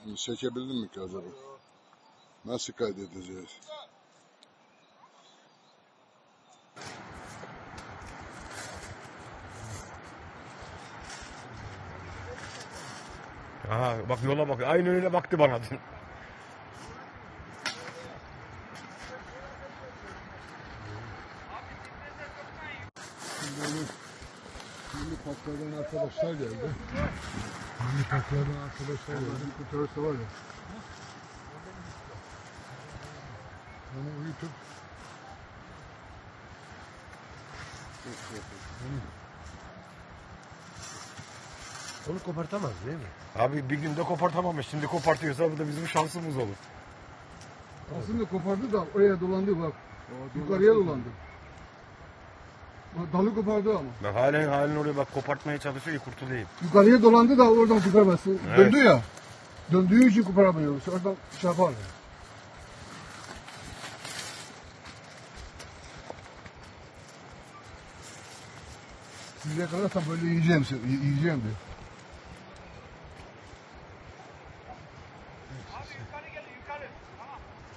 Çekebildin mi ki acaba? Nasıl kaydedeceğiz? Aha bak yola bak. Aynı öyle baktı bana. Milli Parklardan arkadaşlar geldi. Milli Parklardan arkadaşlar geldi. Bir kurtarırsa var ya. Onu uyutup Onu kopartamaz değil mi? Abi bir günde kopartamamış. Şimdi kopartıyorsa bu da bizim şansımız olur. aslında kopardı da oraya dolandı bak. Yukarıya dolandı. Bak, dalı kopardı ama. Bak halen oraya bak kopartmaya çalışıyor ki kurtulayım. Yukarıya dolandı da oradan çıkarması. Evet. Döndü ya. Döndüğü için koparamıyoruz. Oradan şey yapar. Size kalırsam böyle yiyeceğim diyor.